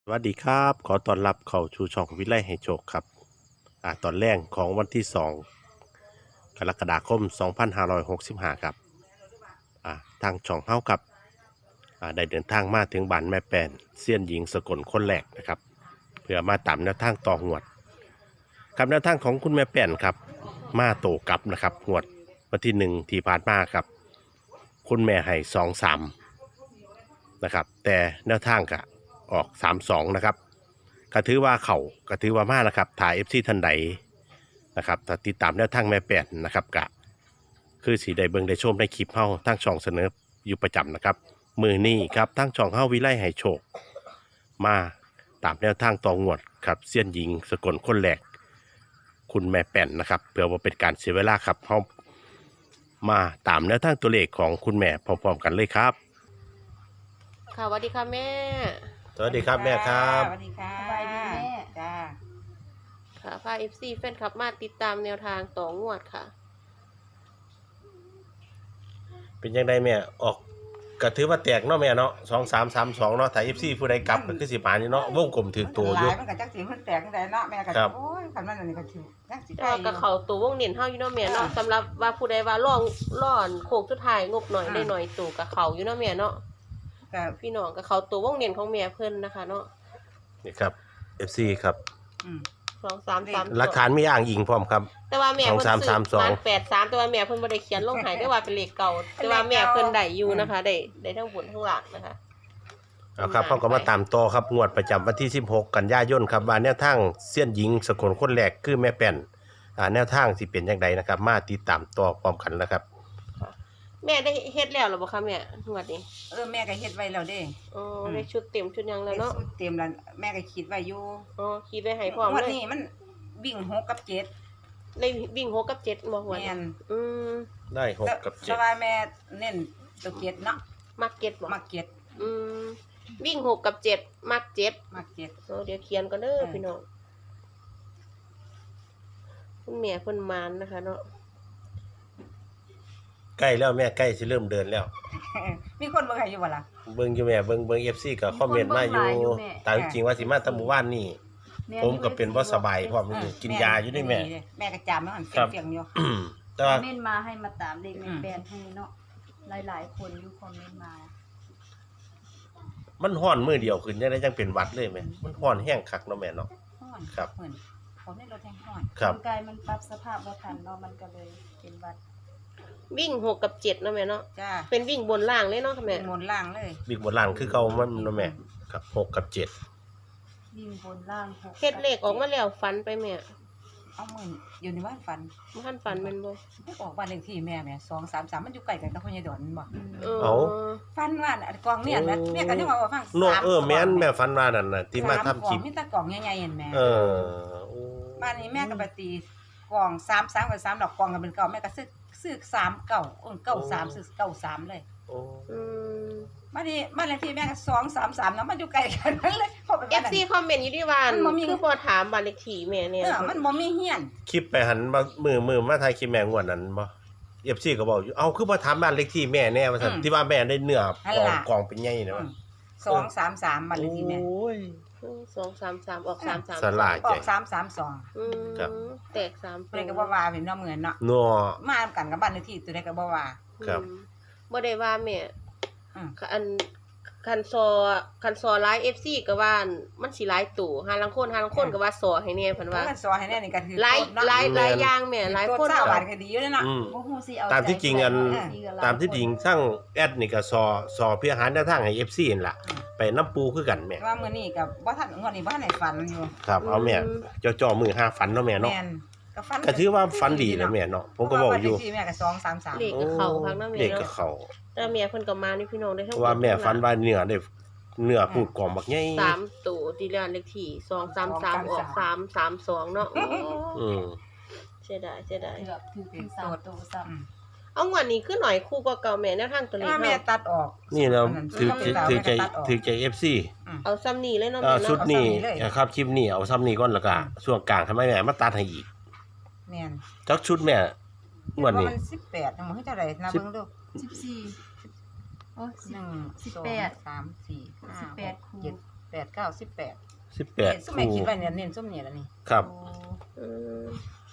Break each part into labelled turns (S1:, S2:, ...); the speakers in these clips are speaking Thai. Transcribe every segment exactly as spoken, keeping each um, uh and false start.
S1: สวัสดีครับขอต้อนรับเข้าชูช่องวิไลให้โชคครับอ่าตอนแรกของวันที่สองกรกฎาคมสองพันห้าร้อยหกสิบห้าครับอ่าทางช่องเฮาครับอ่าได้เดินทางมาถึงบ้านแม่แป้นเซียนหญิงสกลคนแรกนะครับเพื่อมาตามแนวทางต่อหวดครับแนวทางของคุณแม่แป้นครับมาโตกลับนะครับหวดวันที่หนึ่งที่ผ่านมาครับคุณแม่ให้สองสามนะครับแต่แนวทางกะออกสามสองนะครับ ก็ถือว่าเขาก็ถือว่ามานะครับถ่ายเอฟซีทันใดนะครับถ้าติดตามแนวทางแม่แปดนะครับกะคือสีได้เบิ่งได้ชมในคลิปเฮาทั้งช่องเสนออยู่ประจำนะครับมือนี้ครับทั้งช่องเฮาวิไลให้โชคมาตามแนวทางต่องวดครับเซียนหญิงสกลคนแรกคุณแม่แป่นนะครับเพื่อว่าเป็นการเสียเวลาครับเฮามาตามแนวทางตัวเลขของคุณแม่พร้อมๆกันเลยครับ
S2: ค่ะสวัสดีค่ะแม่
S1: สวัสดีครับแม่ครับ
S3: สวัสดีค่ะ
S4: สบายดีแม่
S3: จ้า
S2: ค่ะพาเอฟซีแฟนคลับมาติดตามแนวทางต่องวดค่ะ
S1: เป็นยังไงแม่ออกก็ถือว่าแตกเนาะแม่เนาะสองสามสามสองเนาะถ้าเอฟซีผู้ใดกลับก็คือสิบานี่เนาะวงกลมถือตัวอยู่
S3: มันก็จักสิมันแตกจังไดเนาะแม่ก็
S1: ครับ
S3: โอ้ยคันมันอันนี้ก็ถือจักสิ
S2: ก็กับเขาตัววงเน้นเฮาอยู่เนาะแม่เนาะ
S3: อ่า
S2: สำหรับว่าผู้ใดว่าล่องล่อนโคกสุดท้ายงบหน่อย
S3: อ่า
S2: ได้หน่อยตู่กับเขาอยู่เนาะแม่เนาะ
S3: ก็
S2: พี่น้องกับเขาตัววงเน้นของแม่เพิ่นนะคะเนาะ
S1: นี่ครับ เอฟ ซี ครับ
S3: อืม
S2: สองสามสาม
S1: หลักฐานมีอ้างอิงพร้อมครับ
S2: แต่ว่าแม่เพิ่น
S1: สองสาม
S2: ซื้
S1: สามสอง
S2: มันแปดสามแต่ว่าแม่เพิ่นบ่ได้เขียนลงให้ได้ว่าเป็นเลขเก่าแต่ว่าแม่เพิ่นได้อยู่นะคะได้ได้ทั้งบนทั้งล่างนะคะ
S1: เอาครับเขาก็มาตามต่อครับงวดประจำวันที่สิบหกกันยายนครับว่าแนวทางเสี้ยนหญิงสกลคนแรกคือแม่แป้นอ่าแนวทางสิเป็นจังไดนะครับ มาติดตามต่อพร้อมกันนะครับ
S2: แม่ได้เฮ็ดแล้วหรือบ่คะแม่งวดนี้
S3: เออแม่ก็เฮ็ดไว้แล้วเด้
S2: อ๋อได้ชุดเต็มชุดหยังแล้วเนาะ
S3: ได้สูตรเต็มแล้วแม่ก็คิดไว้อยู่
S2: อ๋อคิดไว้ให้พร้อม
S3: วัน
S2: เลย
S3: นี้มันวิ่งหกกับเจ็ด
S2: ได้วิ่งหกกับเจ็ดบ่หัว
S3: แม่น
S2: อืม
S1: ได้หกกับเจ็
S3: แต่
S1: ด
S3: ว่าแม่เน้นตัวเจ็ดเนาะ
S2: มักเจ็ดบ่
S3: มักเจ็ด
S2: อืมวิ่งหกกับเจ็ดมักเจ็ด
S3: มักเจ็ด
S2: โอ้เดี๋ยวเขียนก่อนเด้อ
S3: เออ
S2: พี่น้องคุณแม่เพิ่นมานนะคะเนาะ
S1: ใกล้แล้วแม่ใกล้สิเริ่มเดินแล้ว
S3: มีคนบ่ใครอยู่บ่ล่ะ
S1: เบิ่งอยู่แม่เบิ่งเบิ่ง เอฟ ซี ก็คอมเมนต์มาอยู่ตามจริงว่าสิมาแตะหมู่บ้านนี่ผมก็เป็นบ่สบายพร้อมอยู่กินยาอยู่นี่แม่
S3: แม่ก็จามแล้วมัน
S1: ครับ
S3: เฟียงๆอยู่
S1: แต่ว่า
S4: คอมเมนต์มาให้มาตามเด็ก
S3: อื
S4: ใน
S3: ม
S4: แบรนด์ให้เนาะหลายๆคนอยู่คอมเมนต์มา
S1: มันฮ้อนมื้อเดียวขึ้นจังได๋จังเป็นหวัดเลยแม่มันฮ้อนแห้งคักเนาะแม่เนาะ
S3: ฮ้อน
S1: ครับ
S3: เหมือนผมได้รถแห้งฮ้อน
S1: ครับ
S4: ร่างกายมันปรับสภาพบ่ทันเนาะมันก็เลยเป็นหวัด
S2: วิ่งหกกับเจ็ดเนาะแม่เนาะ
S3: จ้า
S2: เป็นวิ่งบนล่างเลยเนาะค่ะแม่
S3: เป็นมนต์ล่างเลย
S1: บิ๊กบนล่างคือเก่ามันเนาะแม่ครับหกกับเจ็ด
S4: วิ่งบนล่างหก
S2: เฮ็ดเลขออกมาแล้วฟันไปแม่
S3: เอาหมื่นอยู่ในบ้านฝัน
S2: บ่ทันฟันแม่นบ่
S3: ไม่ออกบ้านเลขที่แม่แม่สองสามสามมันอยู่ใกล้กันกับพ่อใหญ่ดอนบ่
S4: อืม
S2: เออ
S1: เอา
S3: ฝันว่าอันกองเนี่ยนะแม่ก็นึกว่าว่าฟัง
S1: โน
S3: สาม
S1: เออแม่นแม่ฝันว่านั่นน่ะที่มาทำคลิป
S3: สกล่องมีแต่กล่องใหญ่ๆเห็นแม่
S1: เออโอ้
S3: บ้านนี้แม่ก็ไปตีกล่องสามสามกับสามดอกกล่องกันเป็นเก่าแม่ก็ซื้อซื้อสามเก่าเออเก่าสามซื้อเก่าสามเลย
S1: โอ้
S2: อืม
S3: บ้านนี้บ้านเลขที่แม่ก็สองสามสามนะมันอยู่ใกล้กันนั่นเลยพอไป
S2: เอ
S3: บ้าน
S2: ฟ
S3: นั้น
S2: ซีคอมเมนต์อยู่ที่ว่า
S3: มันบ่มี
S2: คือบ่ถามบ้านเลขที่แม่เนี่ย
S3: เออมันบ่มีเฮียน
S1: คลิปไปหันมามือมือมาถ่ายคลิปแม่งวดนั้นบ่เอฟซีก็บอกอยู่เอ้าคือบ่ถามบ้านเลขที่แม่แน่ว่าซั่นที่ว่าแม่ได้เนื้อกล่องกล่องเป็นใหญ่นะว่า
S3: สองสามสามบ้านเลขที่แม่
S1: โอ้ย
S2: สองสามสามออกสามสาม
S1: สลาย
S3: ออกสามสามสอง
S2: อืม
S1: ครับ
S2: แตกสาม
S3: เพิ่นก็บ่ว่าเป็นเนาะเหมือนเนาะ
S1: นัว
S3: มากันกับบ้านเลขที่ตัวใดก็บ่ว่า
S1: ครับ
S2: อืมบ่ได้ว่าแม่
S3: อืม
S2: อันคันซอคันซอไลฟ์ เอฟ ซี ก็ว่ามันสิหลายตู่หาลังคนหาลังคนก็ว่าซอให้แน่เพิ่น
S3: ว่า
S2: ว่า
S3: มันสอนให้แน่นี่ก็คือ
S2: หลาย
S3: โทษเนาะ
S2: หลายหลายอย่างแม่หลายคน
S3: โทษเศร้า
S2: เอา
S3: บาทก็ดีอยู่เด้อเนาะ
S1: อืม
S4: บ่ฮู้สิเอา
S1: ตามที่จริงอัน
S4: ใจใส่
S1: ตามที่จริงทั้งแอดนี่ก็ซอซอเพื่อหาแนวทางให้ เอฟ ซี นั่นล่ะไปน้ำปูคือกันแม่
S3: แต่ว่ามื้อนี้ก็บ่ทันงวดนี้บ่ทันได้ฝันอยู่
S1: ครับเอาแม่จ่อๆมือห้าฝันเนาะแม่เนาะ
S3: แม่นก็ฝัน
S1: ก็ถือว่าฝันดีแล้วแม่เนาะผมก็บอกอยู่
S3: เพราะว่าบ้านเลขที่แม่ก็สองสามสาม
S2: เลขก็เข้าพักนำแม่
S1: เด็กก็
S2: เนาะ
S1: เข้า
S2: แต่แม่เพิ่นก็มานี่พี่น้องได้ทั้ง
S1: เพราะว่าแม่ฝันว่าเนื้อได้เนื้อพูดกล่อมบักใหญ่
S2: สามตู่ที่เรียนเลขที่สองสามสามออกสามสามสองเนาะโอ้
S1: อืม
S2: เสียดายเสียดาย
S4: เกือบถือเป็นสามตัวซ้ำ
S3: อืม
S2: เอางวดนี้คือหน่อยคู่กว่าเก่าแม่แนวทางตัวเล
S3: แต่
S2: ข
S3: ว่าแม่
S2: เฮา
S3: ตัดออก
S1: นี่เราถือ
S3: มัน
S1: ถือใจ
S3: ตัดออก
S1: ถือใจ เอฟ ซี
S2: เอาซ้ำนี่เลยเนาะ
S1: อ่า
S2: แม่
S1: ชุด
S2: เนาะ
S1: นี้
S3: เอาซ้ำนี้เลย
S1: นะครับคลิปนี้เอาซ้ำนี้ก่อนแล้วก็ช่วงกลางทำไมแม่มาตัดให้อีก
S3: แม่น
S1: จักชุดแม่งวดนี้
S3: ว่ามันสิบแปดจังบ่ฮู้เท่าใดนะเบิ่งดู
S4: สิบสี่โอ้สิ
S3: ห
S4: บ
S3: นึ่ง
S4: สิบ
S3: สอง
S4: แปด
S3: สามสี่ห้า
S4: สิบแปด
S3: หก
S4: คู่
S3: เจ็ดแปดเก้าสิบแปด
S1: สิบแปด
S3: ส้มแม่
S1: คู่
S3: คิดไว้เนี่ยเน้นส้มเนี่ยแล้วนี่
S1: ครับ
S4: โอ้
S2: อืม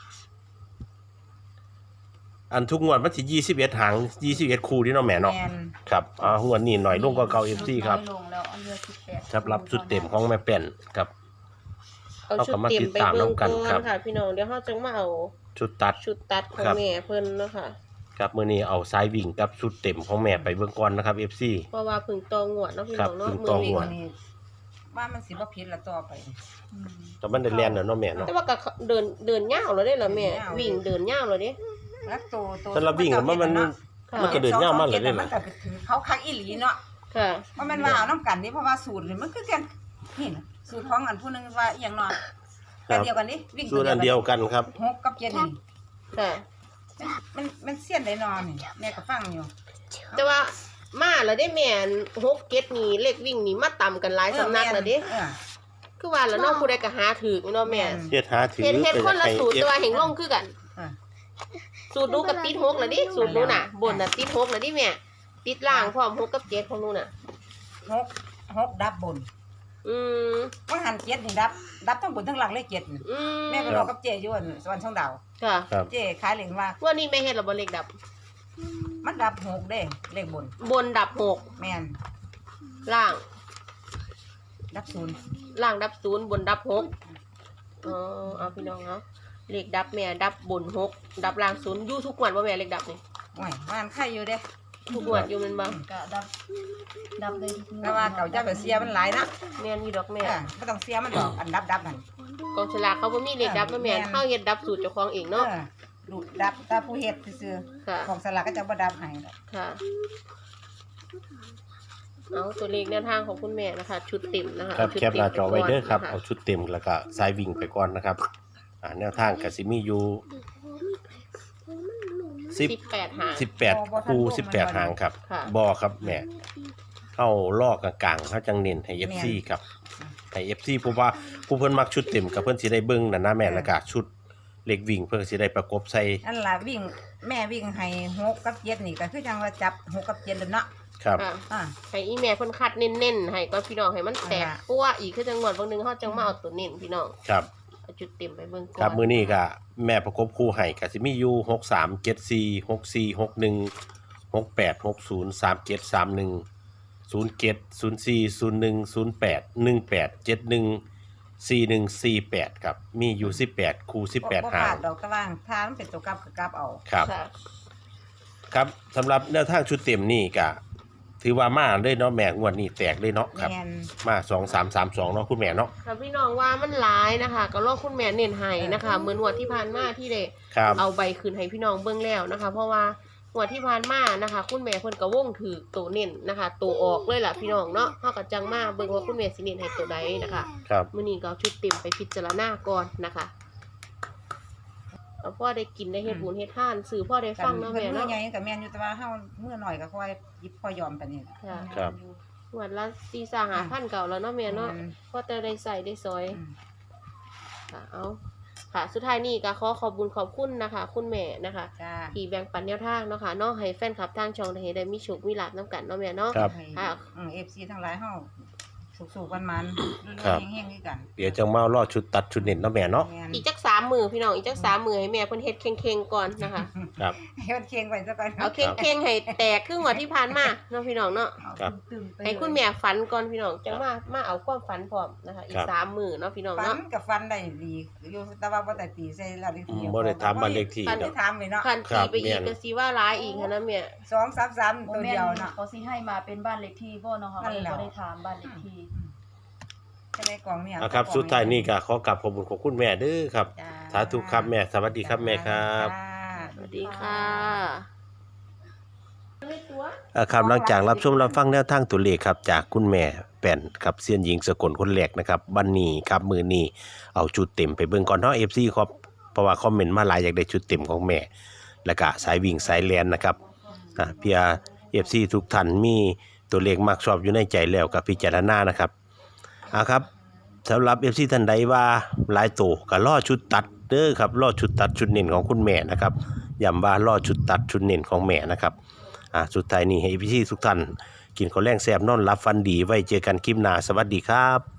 S1: อันทุกงวดมันสิยี่สิบเอ็ดหางยี่สิบเอ็ดคู่ที่เนาะแม่เนาะ
S3: แม่น
S1: ครับอ่างวดนี้หน่อยลงกว่าเก่า เอฟ ซี ครับ
S4: น้อยลงแล้วเอาเรือสิบแปด
S1: ครับรับชุดเต็มของแม่แป้นครับ
S2: เอาชุดเต็มไปเบิ่งก่อนค่ะ พี่น้องเดี๋ยวเฮาจังมาเอา
S1: ชุดตัด
S2: ชุดตัดของ
S1: ครับ
S2: แม่เพิ่นเนาะค่ะ
S1: ครับมื้อนี้เอาสายวิ่งกับชุดเต็มของแม่ไปเบิ่งก่อนนะครับ เอฟ ซี
S2: เพราะว่าเพึ่งตองวดเนาะพี่น้องเนาะ
S1: ครับเพิ่ง
S2: มื
S1: ต
S2: อ
S1: อง
S2: วิ่ง
S1: วด
S3: อันนี้ว่ามันสิบ่ผิดละต่อไป
S4: อืม
S1: แต่มันได้แล่นแล้วเนาะแม่เนาะ
S2: แต่ว่าก็เดินเดินยาวแล้วเด้ล่ะแม่
S3: เดินยาว
S2: วิ่งเดินยาวแล้วเด้
S3: แล้วตัวตัว
S1: สำหรับวิ่งอะมันมัน
S2: ค่ะ
S1: มันก็เดินยาวมากเลยเด้
S3: มั
S1: ล่ะ
S3: นก็ถือเขาคักอีหลีเนาะ
S2: ค่ะ
S3: ว่ามันว่าเอาน้ำกันนี่เพราะว่าสูตรนี่มันคือกันนี่นะสูตรของอันผู้หนึงว่าอหย่างเนาะ
S1: ครั
S3: แต่
S1: บ
S3: เดียวกันนี่วิ่ง
S1: สูตรอันเดียวกันครับ
S3: หกกับเจ็ดนี่
S2: ค่ะ
S3: มันมันเสี้ยนได้นอนนี่แม่ก็ฟังอยู่
S2: แต่ว่ามาแล้วได้แม่นหกเก็ดนี่เลขวิ่งนี่มาต่ำกันหลายสำนักแล้วเด้
S3: เออ
S2: คือว่าแล้วเนาะผู้ใดก็หาถูกเนาะแม่
S1: เฮ็ดหาถือ
S2: เฮ็ดเฮ็ดคนละสูตร
S1: เอ
S2: แต่
S1: ฟ
S2: ว่าแห่งลงคือกัน
S3: เออ
S2: สูตรหนูกับติดหกแล้วดิสูตรหนูน่ะบนน่ะติดหกแล้วดิแม่ติดล่างพร้อมหกกับเจ็ดของหนูน่ะ
S3: หกหกดับบน
S2: อืม
S3: ว่าหันเจ็ดนี่ดับ ดับทั้งบนทั้งหลังเลขเจ็ดนี่
S2: อืม
S3: แม่ไปรอกับเจอยู่อันสวรรค์ช่องดาว
S2: ค่ะ
S1: ครับ
S3: เจขายเหรียญว่า
S2: ว่านี่แม่เฮ็ดแล้วบ่เลขดับ
S3: มันดับหกเด้เลขบน
S2: บนดับหก
S3: แม่น
S2: ล่าง
S3: ดับศูนย์
S2: ล่างดับศูนย์บนดับหกอ๋อเอาพี่น้องเนาะเลขดับแม่ดับบนหกดับล่างศูนย์อยู่ทุกวันว่าแม่เลขดับนี่
S3: โอ้ยมันไข่อยู่เด้
S2: ทุกวันอยู่แม่นบ่
S4: ก็ดับดับเลยทุกงวด
S3: แต่ว่าเก่าเจ้าไปเสียมันหลายนะ
S2: แม่นอยู่ดอกแม่
S3: เออไม่ต้องเสียมันดอกอันดับดับนั่น
S2: กองฉลากเขาบ่มีเลขดับนะแม่
S3: แม่น
S2: เฮาเฮ็ดดับสูตรเจ้าของเอง
S3: เอ
S2: เนาะ
S3: อดูดดับตาผู้เฮ็ดซื่อ
S2: ค่ะ
S3: ๆของสลากก็จะบ่ดับให้ดอก
S2: ค่ะเอาตัวเลขแนวทางของคุณแม่นะคะ ชุดเต็มนะคะ
S1: ครับ
S2: เชุด
S1: แคปหน้าจอไว้เด้อครับ
S2: ต็ม
S1: เอาชุดเต็มแล้วก็สายวิ่งไปก่อนนะครับอ่าแนวทางก็สิมีอยู่สิบ
S2: สิบแปดหาง
S1: สิบแปดคู่สิบแปดหางครับ
S2: ค่ะ
S1: บอครับแม่เข้าลอกกลางๆเขาจังเน้นให้ เอฟ ซี ครับให้ เอฟ ซี เพราะว่าผู้เพิ่นมักชุดเต็มกับเพิ่นสิได้เบิ่งนั่นนะแม่แล้วก็ชุดเล็กวิ่งเพิ่นสิได้ประกบใส่
S3: นั่นล่ะวิ่งแม่วิ่งให้หกกับเจ็ดนี่ก็คือจังว่าจับหกกับเจ็ดแล้วเนาะ
S1: ครับ
S2: ค่ะ
S3: อ่า
S2: ให้อีแม่เพิ่นคัดเน้นๆให้ก็พี่น้องให้มันแตก
S3: อ่า
S2: ปั้วอีกคือจังหวัดบางนึงเฮาจังมาเอาตัวเน้นพี่น้อง
S1: ครับ
S2: เอาจุดเต็มไปเบิ่งก่อน
S1: ครับมื้อนี้ก็แม่ประกบคู่ให้ก็สิมีอยู่หกสาม เจ็ดสี่ หกสี่ หกหนึ่ง หกแปด หกศูนย์ สามเจ็ด สามหนึ่ง ศูนย์เจ็ด ศูนย์สี่ ศูนย์หนึ่ง ศูนย์แปด หนึ่งแปด เจ็ดหนึ่ง สี่หนึ่ง สี่แปดครับมีอยู่สิบแปดคู่สิบแปด
S3: บ่
S1: หา
S3: พลาง ดดอกตะว่างถ้ามันเป็นตัวกลับก็กลับเอา
S1: ครับ
S2: ค่ะ
S1: ครับสำหรับแนวทางชุดเต็มนี่ก็ถือว่ามาเลยเนาะแม่งวดนี้แตกเลยเนาะครับ
S3: แม่น
S1: มาสองสามสามสองเนาะคุณแม่เนาะ
S2: ค่ะพี่น้องว่ามันหลายนะคะ ก็รอคุณแม่เน้นให้นะคะเหมือนงวดที่ผ่านมาที่ได้
S1: ครับ
S2: เอาใบคืนให้พี่น้องเบิ่งแล้วนะคะ เพราะว่างวดที่ผ่านมานะคะ คุณแม่เพิ่นก็วงถือตัวเน้นนะคะตัวออกเลยล่ะพี่น้องเนาะเฮาก็จังมาเบิ่งว่าคุณแม่สิเน้นให้ตัวใดนะคะ
S1: ครับ
S2: มื้อนี้ก็เอาชุดเต็มไปพิจารณาก่อนนะคะเอาพ่อได้กินได้เฮ็ดบุญเฮ็ดทานสื่อพ่อได้ฟังเนาะ
S3: เพิ่
S2: แม่
S3: นมื้อ
S2: เนาะ
S3: ใหญ่ก็แม่นอยู่แต่ว่าเฮามื้อน้อยก็ค่อยหยิบค่อยยอมปานนี้
S2: ค่ะ
S1: ครับ
S2: งวดละสี่สาหาพันเก่าแล้วเนาะแม่เนาะ
S3: อืม
S2: พ่อแต่ได้ใส่ได้ซอย
S3: อืม
S2: ค่ะเอาค่ะ สุดท้ายนี้ก็ขอขอบคุญขอบคุณนะคะ คุณแม่นะคะ
S3: จ้า
S2: ที่แบ่งปันแนวทางเนาะค่ะเนาะให้แฟนคลับทางช่องได้เห็นได้มีโชคมีลาภนํกันเนาะแม่เนาะ
S1: ครับ
S2: ค่ะ
S3: อืม เอฟ ซี ทั้งหลายเฮาสุกๆกันมัน
S1: ครับ
S3: เฮงๆคือกัน
S1: เดี๋ยวจะมารอชุดตัดชุดเน้นเนาะแม่เนาะ
S3: แม่น
S2: อีกจักสามมือพี่น้องอีกจักสามมือให้แม่เพิ่นเฮ็ดเข่งๆก่อนนะคะ
S1: ครับ
S3: ให้มันเคียงไว้ซะก่อน
S2: เอาเข่งๆให้แตกครึ่งกว่าที่ผ่านมาเนาะพี่น้องเนาะ
S1: ครับ
S4: ตึมๆไป
S2: ให้คุณแม่ฝันก่อนพี่น้องจังมามาเอาความฝันพร้อมนะคะ อี
S1: ครั
S2: ก
S1: บ
S2: สามมือเนาะพี่น้อง
S3: ฟัน
S2: เนาะ
S3: กับฟันได้ดีอยู่แต่ว่าบ่ได้ตีใส่แล้วเลข
S1: อื
S3: ที่
S1: มบ่ได้ถามบ้านเลขที่
S3: บ่
S1: เนาะ
S3: ได้ถามเลยเนาะ
S2: คัน
S1: ครั
S2: ตี
S1: บ
S2: ไปอีก
S1: แม่น
S2: ก็สิว่าร้ายอีกหั้นนะแม่
S3: สองสามสาม
S4: โม
S3: ตัว
S4: เมน
S3: เดียว
S4: ต์
S3: เนาะ
S4: เขาสิให้มาเป็นบ้านเลขที่บ่เนาะค่ะ
S3: นั่นแหละ
S4: บ่ได้ถามบ้านเลขที่
S3: จะได้กล่องเนี่ย
S1: นะครับสุดท้ายนี่ก็ขอกราบขอบคุณของคุณแม่เด้อครับ
S3: จ้า
S1: สาธุครับแม่สวัสดีครับแม่ครับ
S3: จ้า
S2: สวัสดีค่ะ
S1: อ่าครับหลังจากรับชมรับฟังแนวทางตัวเลขครับจากคุณแม่แป้นครับเซียนหญิงสกลคนแรกนะครับบันนี้ครับมือนี้เอาชุดเต็มไปเบิ่งก่อนเนาะ เอฟ ซี ครับเพราะว่าคอมเมนต์มาหลายอยากได้ชุดเต็มของแม่ แล้วก็สายวิ่งสายแลนนะครับอ่าเพีย เอฟ ซี ทุกท่านมีตัวเลขมักชอบอยู่ในใจแล้วกับพิจารณานะครับอ่าครับสำหรับ เอฟ ซี ท่านใดว่าหลายโตก็รอชุดตัดเด้อครับรอชุดตัดชุดเน้นของคุณแม่นะครับย้ำว่ารอชุดตัดชุดเน้นของแม่นะครับอ่าสุดท้ายนี้ให้พี่ทุกท่านกินข้าวแรงแซ่บนอนหลับฝันดีไว้เจอกันคลิปหน้าสวัสดีครับ